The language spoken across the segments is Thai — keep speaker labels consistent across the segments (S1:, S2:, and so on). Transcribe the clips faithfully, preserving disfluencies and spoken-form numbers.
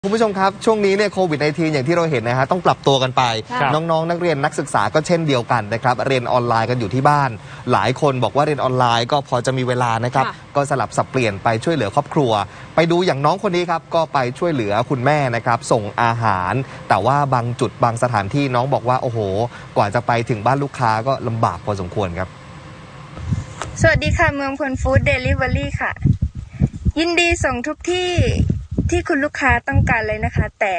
S1: คุณผู้ชมครับช่วงนี้เนี่ยโควิด สิบเก้า อย่างที่เราเห็นนะฮะต้องปรับตัวกันไปน้องๆนักเรียนนักศึกษาก็เช่นเดียวกันนะครับเรียนออนไลน์กันอยู่ที่บ้านหลายคนบอกว่าเรียนออนไลน์ก็พอจะมีเวลานะครับก็สลับสับเปลี่ยนไปช่วยเหลือครอบครัวไปดูอย่างน้องคนนี้ครับก็ไปช่วยเหลือคุณแม่นะครับส่งอาหารแต่ว่าบางจุดบางสถานที่น้องบอกว่าโอ้โหกว่าจะไปถึงบ้านลูกค้าก็ลำบากพอสมควรครับ
S2: สวัสดีค่ะเมืองพลฟู้ดเดลิเวอรี่ค่ะยินดีส่งทุกที่ที่คุณลูกค้าต้องการเลยนะคะแต่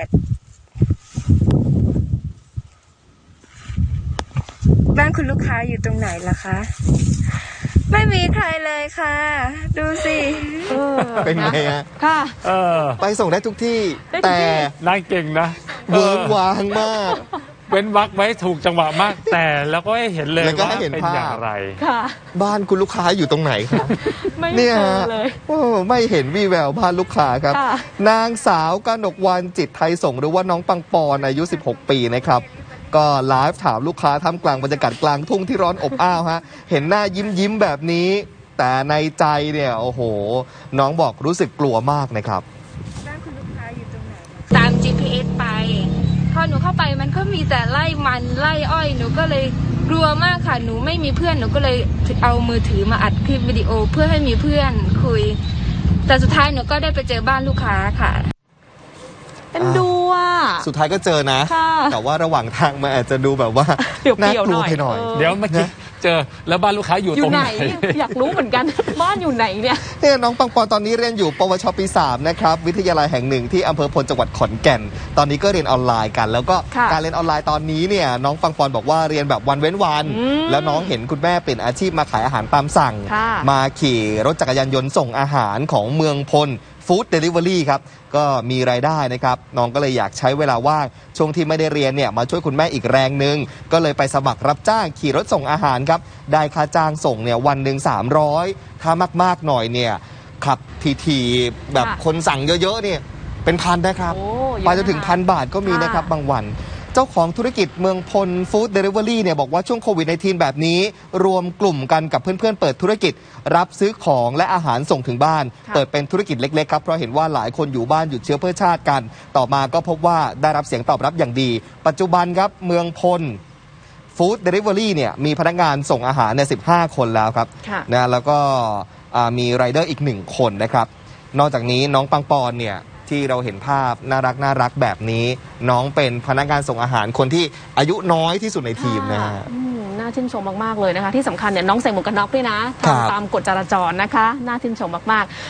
S2: บ้านคุณลูกค้าอยู่ตรงไหนล่ะคะไม่มีใครเลยค่ะดูสิ
S1: เป็นไงฮะ
S3: ค่ะ
S1: ไปส่งได้ทุกที่แต่
S4: นายเก่งนะ
S1: เวิร์กวางมาก
S4: เว้นวรรคไว้ถูกจังหวะมากแต่แล้วก็ให้เห็นเลยว่าเป็นอย่างไร
S1: บ้านคุณลูกค้าอยู่ตรงไหนครับ
S3: ไม่เจอเลย
S1: ไม่เห็นวี่แววบ้านลูกค้าครับนางสาวกนกวรรณจิตไทยส่งหรือว่าน้องปังปอนอายุสิบหกปีนะครับก็ไลฟ์ถามลูกค้าท่ามกลางบรรยากาศกลางทุ่งที่ร้อนอบอ้าวฮะเห็นหน้ายิ้มยิ้มแบบนี้แต่ในใจเนี่ยโอ้โหน้องบอกรู้สึกกลัวมากนะครับ
S2: บ้านคุณลูกค้าอยู่ตรงไหนตาม จี พี เอส ไปพอหนูเข้าไปมันก็มีแต่ไล่มันไล่อ้อยหนูก็เลยกลัวมากค่ะหนูไม่มีเพื่อนหนูก็เลยเอามือถือมาอัดคลิปวิดีโอเพื่อให้มีเพื่อนคุยแต่สุดท้ายหนูก็ได้ไปเจอบ้านลูกค้าค่ะ
S3: เป็นดูอ่ะ
S1: สุดท้ายก็เจอนะแต่ว่าระหว่างทางมันอาจจะดูแบบว่าน่ากลัวไปหน่อย
S4: เดี๋ยวเมื่อกี้เจอแล้วบ้านลูกค้าอยู่ตรงไหน
S3: อยากรู้เหมือนกันบ้านอยู่ไหนเนี่ย
S1: เนี่ยน้องปังปอนตอนนี้เรียนอยู่ปวชปีสามนะครับวิทยาลัยแห่งหนึ่งที่อำเภอพลจังหวัดขอนแก่นตอนนี้ก็เรียนออนไลน์กันแล้วก็การเรียนออนไลน์ตอนนี้เนี่ยน้องปังปอนบอกว่าเรียนแบบวันเว้นวันแล้วน้องเห็นคุณแม่เปลี่ยนอาชีพมาขายอาหารตามสั่งมาขี่รถจักรยานยนต์ส่งอาหารของเมืองพลฟู้ดเดลิเวอรี่ครับก็มีรายได้นะครับน้องก็เลยอยากใช้เวลาว่างช่วงที่ไม่ได้เรียนเนี่ยมาช่วยคุณแม่อีกแรงหนึ่งก็เลยไปสมัครรับจ้างขี่รถส่งอาหารครับได้ค่าจ้างส่งเนี่ยวันหนึ่งสามร้อยถ้ามากๆหน่อยเนี่ยขับทีๆแบบคนสั่งเยอะๆเนี่ยเป็นพันนะครับไปจนถึงพันบาทก็มีนะครับบางวันเจ้าของธุรกิจเมืองพลฟู้ดเดลิเวอรี่เนี่ยบอกว่าช่วงโควิด สิบเก้า แบบนี้รวมกลุ่มกันกับเพื่อนๆเปิดธุรกิจรับซื้อของและอาหารส่งถึงบ้านเปิดเป็นธุรกิจเล็กๆครับเพราะเห็นว่าหลายคนอยู่บ้านหยุดเชื้อเพื่อชาติกันต่อมาก็พบว่าได้รับเสียงตอบรับอย่างดีปัจจุบันครับเมืองพลฟู้ดเดลิเวอรี่เนี่ยมีพนักงานส่งอาหารเนี่ยสิบห้าคนแล้วครับนะแล้วก็มีไรเดอร์อีกหนึ่งคนนะครับนอกจากนี้น้องปังปอนเนี่ยที่เราเห็นภาพน่ารักน่ารักแบบนี้น้องเป็นพนักงานส่งอาหารคนที่อายุน้อยที่สุดในทีมนะฮะ
S3: น่าชื่นชมมากๆเลยนะคะที่สำคัญเนี่ยน้องใส่หมวกกันน็อกด้วยนะตามกฎจราจรนะคะน่าชื่นชมมากๆ